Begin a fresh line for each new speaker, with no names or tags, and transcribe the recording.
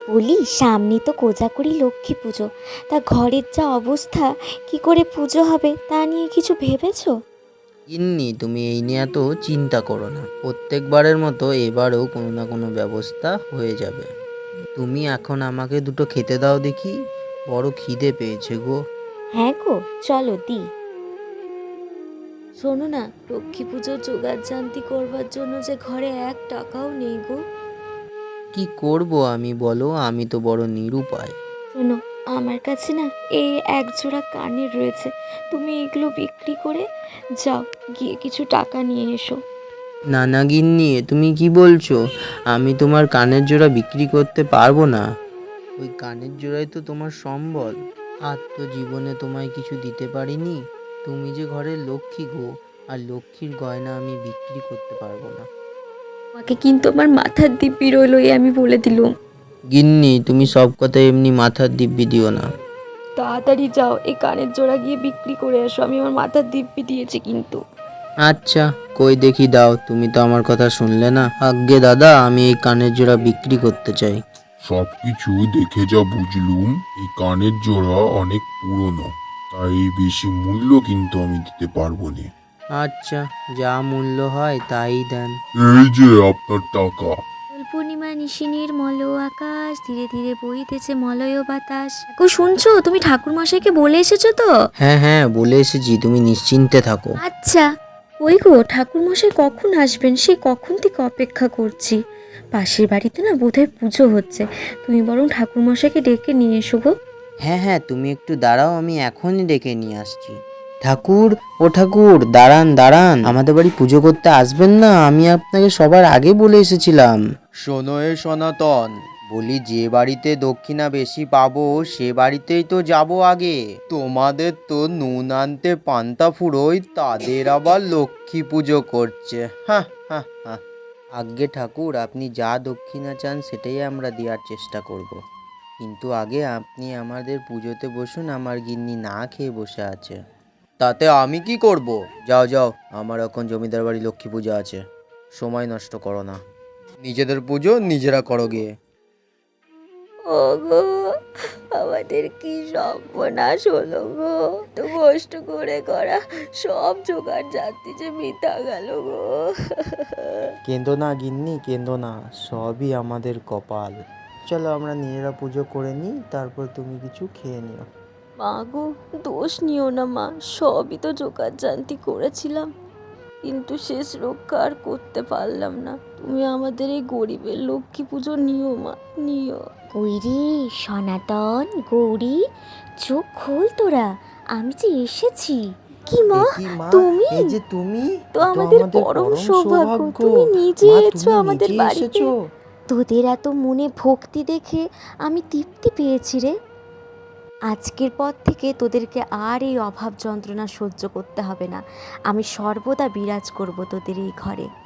বলি, সামনে তো কোজাগরি লক্ষ্মী পুজো। তা ঘরের যা অবস্থা, কি করে পুজো হবে তা নিয়ে কিছু ভেবেছো?
গিন্নি, তুমি এই নিয়ে এত চিন্তা করো না। প্রত্যেকবারের মতো এবারেও কোনো না কোনো ব্যবস্থা হয়ে যাবে। তুমি এখন আমাকে দুটো খেতে দাও দেখি, বড় খিদে পেয়েছে গো।
হ্যাঁ গো, চলো দি। শোনো না, লক্ষ্মী পুজোর জোগাড় জান্তি করবার জন্য যে ঘরে 1 টাকাও নেই গো।
কি করব আমি বলো, আমি তো বড় নিরুপায়।
শোনো, আমার কাছে না এই 1 জোড়া কানের রয়েছে। তুমি এগুলো বিক্রি করে যাও, গিয়ে কিছু টাকা নিয়ে এসো।
না না গিন্নি, তুমি কি বলছো? আমি তোমার কানের জোড়া বিক্রি করতে পারবো না। ওই কানের জোড়াই তো তোমার সম্বল। আর তো জীবনে তোমায় কিছু দিতে পারিনি। তুমি যে ঘরের লক্ষ্মী গো, আর লক্ষ্মীর গয়না আমি বিক্রি করতে পারবো না।
আমাকে কিন্তু আমার মাথার দিব্যি রইলো, এই আমি বলে দিলুম।
গিন্নি, তুমি সব কথা এমনি মাথার দিব্যি দিও না।
তাড়াতাড়ি যাও, এই কানের জোড়া গিয়ে বিক্রি করে এসো। আমি আমার মাথার দিব্যি দিয়েছি কিন্তু।
আচ্ছা, কই দেখি দাও, তুমি তো আমার কথা শুনলে না। আজ্ঞে দাদা, আমি এই কানের জোড়া বিক্রি করতে চাই।
সবকিছু দেখে যা বুঝলুম, এই কানের জোড়া অনেক পুরনো, তাই বেশি মূল্য কিন্তু আমি দিতে পারবো না।
আচ্ছা, যা মূল্য হয় তাই দেন।
এই যে আপনার টাকা।
দোল পূর্ণিমা নিশিনীর মলয় আকাশ, ধীরে ধীরে বইতেছে মলয় বাতাস। গো শুনছো? তুমি ঠাকুর মশাইকে বলে এসেছো তো?
হ্যাঁ হ্যাঁ, বলে এসেছি, তুমি নিশ্চিন্তে থাকো।
আচ্ছা। ওই গো, ঠাকুর মশাই কখন আসবেন? সেই কখন থেকে অপেক্ষা করছি। পাশের বাড়িতে না বোধহয় পুজো হচ্ছে। তুমি বরং ঠাকুর মশাইকে ডেকে নিয়ে এসো গো।
হ্যাঁ হ্যাঁ, তুমি একটু দাঁড়াও, আমি এখনই ডেকে নিয়ে আসছি। ঠাকুর, ও ঠাকুর, দাঁড়ান দাঁড়ান, আমাদের বাড়ি পুজো করতে আসবেন না? আমি আপনাকে সবার আগে বলে এসেছিলাম। শোনো এ সনাতন, বলি যে বাড়িতে দক্ষিণা বেশি পাবো সে বাড়িতেই তো যাব আগে। তোমাদের তো নুন আনতে পান্তা ফুরোয়, তাদের আবার লক্ষ্মী পুজো করছে। হ্যাঁ হ্যাঁ হ্যাঁ। আজ্ঞে ঠাকুর, আপনি যা দক্ষিণা চান সেটাই আমরা দেওয়ার চেষ্টা করব। কিন্তু আগে আপনি আমাদের পুজোতে বসুন, আমার গিন্নি না খেয়ে বসে আছে। তাতে আমি কি করব? যাও যাও, আমার এখন জমিদার বাড়ি লক্ষ্মী পূজা আছে। সময় নষ্ট করো না, নিজেদের পুজো নিজেরা করো গিয়ে।
ওগো, আমাদের কি সর্বনাশ হলো গো! তো কষ্ট করে করা সব জোগাড় জানতে যে বৃথা গেল গো।
কেঁদো না গিন্নি, কেঁদো না, সবই আমাদের কপাল। চলো আমরা নিজেরা পুজো করে নিই, তারপর তুমি কিছু খেয়ে নিও।
মা গো, দোষ নিও না মা, সবই তো জোগাড় জান্তি করেছিলাম, কিন্তু শেষ রক্ষা আর করতে পারলাম না। তুমি আমাদের এই গরিবের লক্ষ্মী পুজো নিও মা, নিও। কইরে সনাতন, গৌরী, চোখ খোল তোরা, আমি যে এসেছি। কি মা,
এ কি মা,
তুমি?
এই যে তুমি,
তো
এ তো
আমাদের
আমাদের
পরম
পরম
সৌভাগ্য,
সৌভাগ্য।
তুমি নিজে
মা,
এসো
তুমি
আমাদের
নিজে
বাড়িতে।
এসেছো।
তোদের এত মনে ভক্তি দেখে আমি তৃপ্তি পেয়েছি রে। আজকের পর থেকে তোদেরকে আর এই অভাব যন্ত্রণা সহ্য করতে হবে না। আমি সর্বদা বিরাজ করব তোদের এই ঘরে।